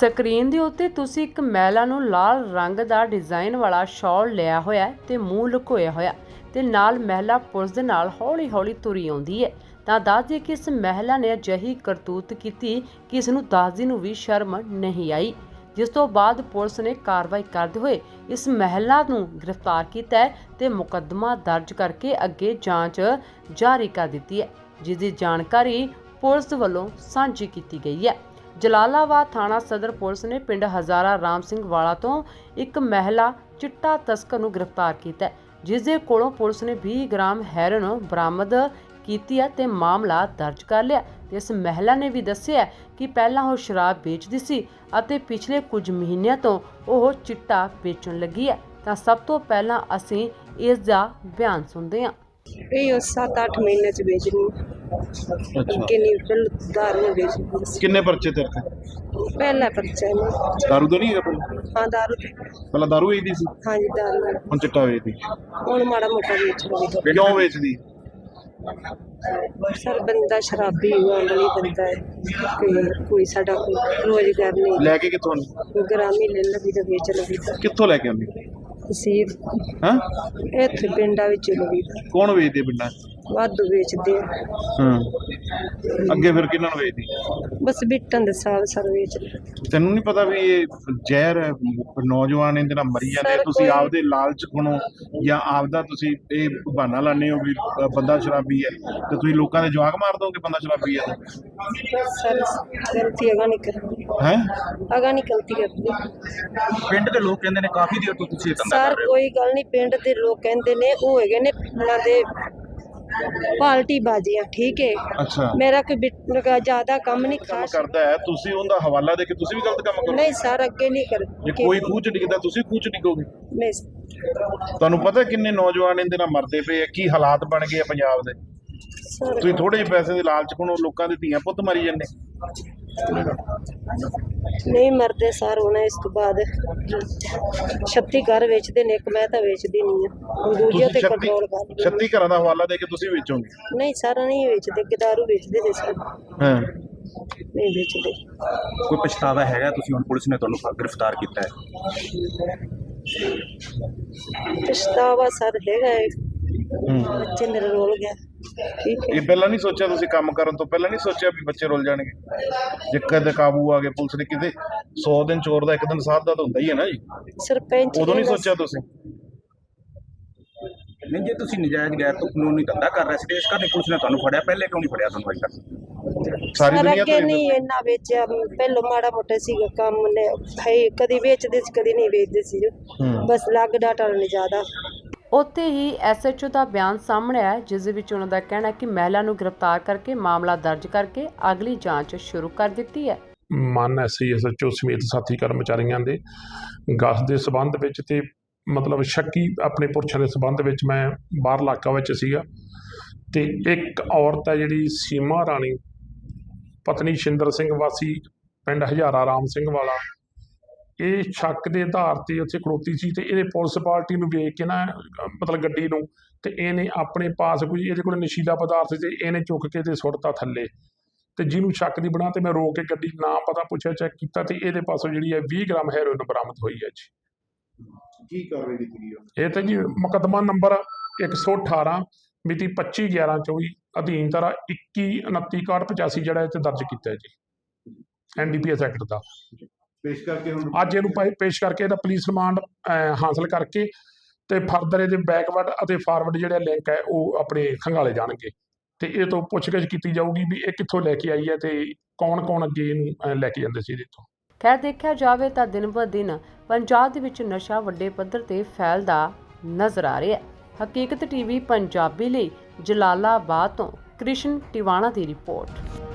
Screen ਦੇ ਉੱਤੇ ਤੁਸੀਂ ਇੱਕ ਮਹਿਲਾ ਨੂੰ ਲਾਲ ਰੰਗ ਦਾ ਡਿਜ਼ਾਈਨ ਵਾਲਾ ਸ਼ਾਲ ਲਿਆ ਹੋਇਆ ਤੇ ਮੂੰਹ ਲੁਕੋਇਆ ਹੋਇਆ ਤੇ ਨਾਲ ਮਹਿਲਾ ਪੁਲਿਸ ਦੇ ਨਾਲ ਹੌਲੀ-ਹੌਲੀ ਤੁਰੀ ਆਉਂਦੀ ਹੈ। ਤਾਂ ਦੱਸ ਦਈਏ ਕਿ ਇਸ ਮਹਿਲਾ ਨੇ ਅਜਿਹੀ ਕਰਤੂਤ ਕੀਤੀ ਕਿ ਇਸ ਨੂੰ ਦੱਸਦੀ ਨੂੰ ਵੀ ਸ਼ਰਮ ਨਹੀਂ ਆਈ, ਜਿਸ ਤੋਂ ਬਾਅਦ ਪੁਲਿਸ ਨੇ ਕਾਰਵਾਈ ਕਰਦੇ ਹੋਏ ਇਸ ਮਹਿਲਾ ਨੂੰ ਗ੍ਰਿਫਤਾਰ ਕੀਤਾ ਹੈ ਤੇ ਮੁਕੱਦਮਾ ਦਰਜ ਕਰਕੇ ਅੱਗੇ ਜਾਂਚ ਜਾਰੀ ਕਰ ਦਿੱਤੀ ਹੈ, ਜਿਸ ਦੀ ਜਾਣਕਾਰੀ ਪੁਲਿਸ ਵੱਲੋਂ ਸਾਂਝੀ ਕੀਤੀ ਗਈ ਹੈ। ਜਲਾਲਾਬਾਦ ਥਾਣਾ ਸਦਰ ਪੁਲਿਸ ਨੇ ਪਿੰਡ ਹਜ਼ਾਰਾ ਰਾਮ ਸਿੰਘ ਵਾਲਾ ਤੋਂ ਇੱਕ ਮਹਿਲਾ ਚਿੱਟਾ ਤਸਕਰ ਨੂੰ ਗ੍ਰਿਫਤਾਰ ਕੀਤਾ ਹੈ, ਜਿਸ ਦੇ ਕੋਲੋਂ ਪੁਲਿਸ ਨੇ 20 ਗ੍ਰਾਮ ਹੈਰੋਇਨ ਬਰਾਮਦ ਕੀਤੀ ਹੈ ਤੇ ਮਾਮਲਾ ਦਰਜ ਕਰ ਲਿਆ। ਤੇ ਇਸ ਮਹਿਲਾ ਨੇ ਵੀ ਦੱਸਿਆ ਕਿ ਪਹਿਲਾਂ ਉਹ ਸ਼ਰਾਬ ਵੇਚਦੀ ਸੀ ਅਤੇ ਪਿਛਲੇ ਕੁਝ ਮਹੀਨਿਆਂ ਤੋਂ ਉਹ ਚਿੱਟਾ ਵੇਚਣ ਲੱਗੀ ਹੈ। ਤਾਂ ਸਭ ਤੋਂ ਪਹਿਲਾਂ ਅਸੀਂ ਇਸ ਦਾ ਬਿਆਨ ਸੁਣਦੇ ਹਾਂ। ਇਹ 7-8 ਮਹੀਨੇ ਚ ਵੇਚਣੀ ਕਿੰਨੀ ਫਿਰ ਦਾਰੂ ਵੇਚਦੀ ਕਿੰਨੇ ਪਰਚੇ ਤੇਰੇ ਤੇ? ਪਹਿਲਾ ਪਰਚਾ ਹੈ ਦਾਰੂ ਦਾ ਨਹੀਂ ਹੈਗਾ ਪਹਿਲਾਂ? ਹਾਂ ਦਾਰੂ ਤੇ ਪਹਿਲਾਂ ਦਾਰੂ ਵੇਚਦੀ ਸੀ, ਹਾਂਜੀ ਦਾਰੂ ਹੁਣ ਚਿੱਟਾ ਵੇਚਦੀ। ਹੁਣ ਮਾੜਾ ਮੋਟਾ ਵੇਚ ਲਵੇ ਕਿਉਂ ਵੇਚਦੀ? ਸਰ ਬੰਦਾ ਸ਼ਰਾਬੀ ਵਾਲੀ ਬੰਦਾ ਹੈ, ਕੋਈ ਸਾਡਾ ਕੋਈ ਰੋਜ਼ਗਾਰ ਨਹੀਂ, ਲੈ ਕੇ ਕਿੱਥੋਂ? ਗ੍ਰਾਮੀ ਲੈ ਲਵੀ ਤਾਂ ਵੇਚ ਲਵੀ ਤਾਂ ਕਿੱਥੋਂ ਲੈ ਕੇ ਆਉਂਦੀ? ਸੀਰ ਹਾਂ ਇੱਥੇ ਪਿੰਡਾਂ ਵਿੱਚ ਲਵੀ ਤਾਂ ਕੌਣ ਵੇਚਦੇ ਪਿੰਡਾਂ? ਵਾਧੂ ਵੇਚਦੇ ਆ। ਹਾਂ ਅੱਗੇ ਫਿਰ ਕਿਹਨਾਂ ਨੂੰ ਵੇਚਦੀ? ਬਸ ਬਿੱਟਾਂ ਦੇ ਸਾਲ ਸਰ ਵੇਚ ਤੈਨੂੰ ਨਹੀਂ ਪਤਾ ਵੀ ਇਹ ਜ਼ਹਿਰ ਹੈ, ਨੌਜਵਾਨ ਇਹਦੇ ਨਾਲ ਮਰੀ ਜਾਂਦੇ? ਸਰ, ਤੁਸੀਂ ਕੋਈ- ਆਪਦੇ ਲਾਲਚ ਕੋਲੋਂ ਜਾਂ ਆਪਦਾ ਤੁਸੀਂ ਇਹ ਬਹਾਨਾ ਲਾਉਂਦੇ ਹੋ ਵੀ ਬੰਦਾ ਸ਼ਰਾਬੀ ਹੈ ਤੇ ਤੁਸੀਂ ਲੋਕਾਂ ਦੇ ਜਵਾਕ ਮਾਰ ਦੋਗੇ ਬੰਦਾ ਸ਼ਰਾਬੀ ਹੈ ਸਰ ਗਲਤੀ ਅਗਾ ਨਹੀਂ ਕਰਦੀ, ਹੈ? ਅਗਾ ਨਹੀਂ ਗਲਤੀ ਕਰਦੀ। ਪਿੰਡ ਦੇ ਲੋਕ ਕਹਿੰਦੇ ਨੇ ਕਾਫੀ ਦੇਰ ਤੋਂ ਤੁਸੀਂ ਇਹ ਸਰ ਕੋਈ ਗੱਲ ਨਹੀਂ, ਪਿੰਡ ਦੇ ਲੋਕ ਕਹਿੰਦੇ ਨੇ ਉਹ ਹੈਗੇ ਨੇ ਉਹਨਾਂ ਦੇ ਪਾਲਟੀ ਬਾਜ਼ੀਆਂ, ਠੀਕ ਹੈ। ਅੱਛਾ ਮੇਰਾ ਕੋਈ ਜ਼ਿਆਦਾ ਕੰਮ ਨਹੀਂ ਕੰਮ ਖਾਸ ਕਰਦਾ ਹੈ, ਤੁਸੀਂ ਉਹਦਾ ਹਵਾਲਾ ਦੇ ਕੇ ਤੁਸੀਂ ਵੀ ਗਲਤ ਕੰਮ ਕਰੋ? ਨਹੀਂ ਸਰ, ਅੱਗੇ ਨਹੀਂ ਕਰ ਜੇ ਕੋਈ ਖੂਹ ਚ ਡਿੱਗਦਾ ਤੁਸੀਂ ਖੂਹ ਚ ਡਿੱਗੋਗੇ? ਨਹੀਂ ਤੁਹਾਨੂੰ ਪਤਾ ਕਿੰਨੇ ਨੌਜਵਾਨ ਇਹਦੇ ਨਾਲ ਮਰਦੇ ਪਏ ਆ, ਕੀ ਹਾਲਾਤ ਬਣ ਗਏ ਆ ਪੰਜਾਬ ਦੇ? ਸਰ, ਤੁਸੀਂ ਥੋੜੇ ਜਿਹੇ ਪੈਸੇ ਦੇ ਲਾਲਚ ਕੋਲੋਂ ਲੋਕਾਂ ਦੇ ਧੀਆਂ ਪੁੱਤ ਮਾਰੀ ਜਾਂਦੇ। ਨਹੀਂ ਮਰਦੇ ਸਰ। ਹੁਣ ਇਸ ਤੋਂ ਬਾਅਦ 36 ਘਰ ਵੇਚਦੇ ਨੇ, ਇੱਕ ਮੈਂ ਤਾਂ ਵੇਚਦੀ ਨਹੀਂ ਆ, ਦੂਜੇ ਤੇ ਕੰਟਰੋਲ ਕਰ 36 ਘਰਾਂ ਦਾ ਹਵਾਲਾ ਦੇ ਕੇ ਤੁਸੀਂ ਵੇਚੋਗੇ? ਨਹੀਂ ਸਰ, ਨਹੀਂ ਵੇਚਦੇ, ਦਾਰੂ ਵੇਚਦੇ ਨੇ ਸਰ, ਹਾਂ ਨਹੀਂ ਵੇਚਦੇ। ਕੋਈ ਪਛਤਾਵਾ ਹੈਗਾ? ਤੁਸੀਂ ਹੁਣ ਪੁਲਿਸ ਨੇ ਤੁਹਾਨੂੰ ਗ੍ਰਿਫਤਾਰ ਕੀਤਾ ਹੈ। ਪਛਤਾਵਾ ਸਰ ਹੈਗਾ ਹੈ, ਬੱਚੇ ਮੇਰੇ ਰੋਲ ਗਿਆ, ਠੀਕ ਹੈ। ਇਹ ਪਹਿਲਾਂ ਨਹੀਂ ਸੋਚਿਆ ਤੁਸੀਂ? ਕੰਮ ਕਰਨ ਤੋਂ ਪਹਿਲਾਂ ਨਹੀਂ ਸੋਚਿਆ ਵੀ ਬੱਚੇ ਰੁੱਲ ਜਾਣਗੇ? ਜੇ ਕਦੇ ਕਾਬੂ ਆ ਗਏ ਪੁਲਿਸ ਨੇ, ਕਿਤੇ 100 ਦਿਨ ਚੋਰ ਦਾ 1 ਦਿਨ ਸਾਧ ਦਾ ਤਾਂ ਹੁੰਦਾ ਹੀ ਹੈ ਨਾ ਜੀ। ਸਰਪੰਚ ਉਦੋਂ ਨਹੀਂ ਕਹਿੰਦਾ ਸੋਚਿਆ ਤੁਸੀਂ? ਨਹੀਂ, ਜੇ ਤੁਸੀਂ ਨਜਾਇਜ਼ ਗੈਰ ਤੋਂ ਕਾਨੂੰਨੀ ਧੰਦਾ ਕਰ ਰਹੇ ਸੀ, ਇਸ ਕਰਕੇ ਪੁਲਿਸ ਨੇ ਤੁਹਾਨੂੰ ਫੜਿਆ, ਪਹਿਲੇ ਕਿਉਂ ਨਹੀਂ ਫੜਿਆ ਤੁਹਾਨੂੰ ਅਜੇ ਤੱਕ? ਸਾਰੀ ਸਰ ਦੁਨੀਆ ਅੱਗੇ ਤੋਂ ਨਹੀਂ ਇੰਨਾ ਵੇਚਿਆ, ਪਹਿਲੋਂ ਮਾੜਾ ਮੋਟਾ ਸੀਗਾ ਕੰਮ ਨੇ, ਭਾਈ ਕਦੀ ਵੇਚਦੇ ਸੀ ਕਦੀ ਨਹੀਂ ਵੇਚਦੇ ਸੀ, ਬਸ ਲੱਗ ਡਾਟਾ ਨਹੀਂ ਜ਼ਿਆਦਾ। ਉੱਥੇ ਹੀ ਐਸਐਚਓ ਦਾ ਬਿਆਨ ਸਾਹਮਣੇ ਆਇਆ, ਜਿਸ ਦੇ ਵਿੱਚ ਉਹਨਾਂ ਦਾ ਕਹਿਣਾ ਹੈ ਕਿ ਮਹਿਲਾ ਨੂੰ ਗ੍ਰਿਫਤਾਰ ਕਰਕੇ ਮਾਮਲਾ ਦਰਜ ਕਰਕੇ ਅਗਲੀ ਜਾਂਚ ਸ਼ੁਰੂ ਕਰ ਦਿੱਤੀ ਹੈ। ਮਾਨ ਐਸਐਚਓ ਸਮੇਤ ਸਾਥੀ ਕਰਮਚਾਰੀਆਂ ਦੇ ਗਸ਼ਤ ਦੇ ਸਬੰਧ ਵਿੱਚ ਤੇ ਮਤਲਬ ਸ਼ੱਕੀ ਆਪਣੇ ਪੁਰਸ਼ਾਂ ਦੇ ਸਬੰਧ ਵਿੱਚ ਮੈਂ ਬਾਹਰ ਇਲਾਕਾ ਵਿੱਚ ਸੀਗਾ ਤੇ ਇੱਕ ਔਰਤ ਹੈ ਜਿਹੜੀ ਸੀਮਾ ਰਾਣੀ ਪਤਨੀ ਸ਼ਿੰਦਰ ਸਿੰਘ ਵਾਸੀ ਪਿੰਡ ਹਜ਼ਾਰਾ ਰਾਮ ਸਿੰਘ ਵਾਲਾ, ਇਹ ਸ਼ੱਕ ਦੇ ਆਧਾਰ ਤੇ ਉੱਥੇ ਖੜੋਤੀ ਸੀ ਤੇ ਇਹਦੇ ਪੁਲਿਸ ਪਾਰਟੀ ਨੂੰ ਵੇਖ ਕੇ ਨਾ ਮਤਲਬ ਗੱਡੀ ਨੂੰ, ਤੇ ਇਹਨੇ ਆਪਣੇ ਪਾਸ ਕੋਈ ਇਹਦੇ ਕੋਲ ਨਸ਼ੀਲਾ ਪਦਾਰਥ ਤੇ ਇਹਨੇ ਚੁੱਕ ਕੇ ਤੇ ਸੁੱਟਤਾ ਥੱਲੇ, ਤੇ ਜਿਹਨੂੰ ਸ਼ੱਕ ਦੀ ਬਣਾ ਤੇ ਮੈਂ ਰੋਕ ਕੇ ਗੱਡੀ ਨਾ ਪਤਾ ਪੁੱਛਿਆ ਚੈੱਕ ਕੀਤਾ ਤੇ ਇਹਦੇ ਪਾਸੋਂ ਜਿਹੜੀ ਹੈ 20 ਗ੍ਰਾਮ ਹੈਰੋਇਨ ਬਰਾਮਦ ਹੋਈ ਹੈ ਜੀ। ਕੀ ਕਾਰਵਾਈ ਕੀਤੀ ਗਈ? ਇਹ ਤਾਂ ਜੀ ਮੁਕੱਦਮਾ ਨੰਬਰ 118 ਮਿਤੀ 25/11/24 ਅਧੀਨ ਧਾਰਾ 21/29/85 ਜਿਹੜਾ ਇਹ 'ਤੇ ਦਰਜ ਕੀਤਾ ਹੈ ਜੀ, NDPS ਐਕਟ ਦਾ। ਪੇਸ਼ ਕਰਕੇ ਹੁਣ ਅੱਜ ਇਹਨੂੰ ਪੇਸ਼ ਕਰਕੇ ਇਹਦਾ ਪੁਲਿਸ ਰਿਮਾਂਡ ਹਾਸਲ ਕਰਕੇ ਤੇ ਫਰਦਰ ਇਹਦੇ ਬੈਕਵਰਡ ਅਤੇ ਫਾਰਵਰਡ ਜਿਹੜੇ ਲਿੰਕ ਹੈ ਉਹ ਆਪਣੇ ਖੰਗਾਲੇ ਜਾਣਗੇ ਤੇ ਇਹ ਤੋਂ ਪੁੱਛਗਿੱਛ ਕੀਤੀ ਜਾਊਗੀ ਵੀ ਇਹ ਕਿੱਥੋਂ ਲੈ ਕੇ ਆਈ ਹੈ ਤੇ ਕੌਣ ਅੱਗੇ ਇਹਨੂੰ ਲੈ ਕੇ ਜਾਂਦੇ ਸੀ ਇਹਦੇ ਤੋਂ। ਖੈਰ ਦੇਖਿਆ ਜਾਵੇ ਤਾਂ ਦਿਨ ਬ ਦਿਨ ਪੰਜਾਬ ਦੇ ਵਿੱਚ ਨਸ਼ਾ ਵੱਡੇ ਪੱਧਰ ਤੇ ਫੈਲਦਾ ਨਜ਼ਰ ਆ ਰਿਹਾ ਹੈ। ਹਕੀਕਤ ਟੀਵੀ ਪੰਜਾਬੀ ਲਈ ਜਲਾਲਾਬਾਦ ਤੋਂ ਕ੍ਰਿਸ਼ਨ ਟਿਵਾਣਾ ਦੀ ਰਿਪੋਰਟ।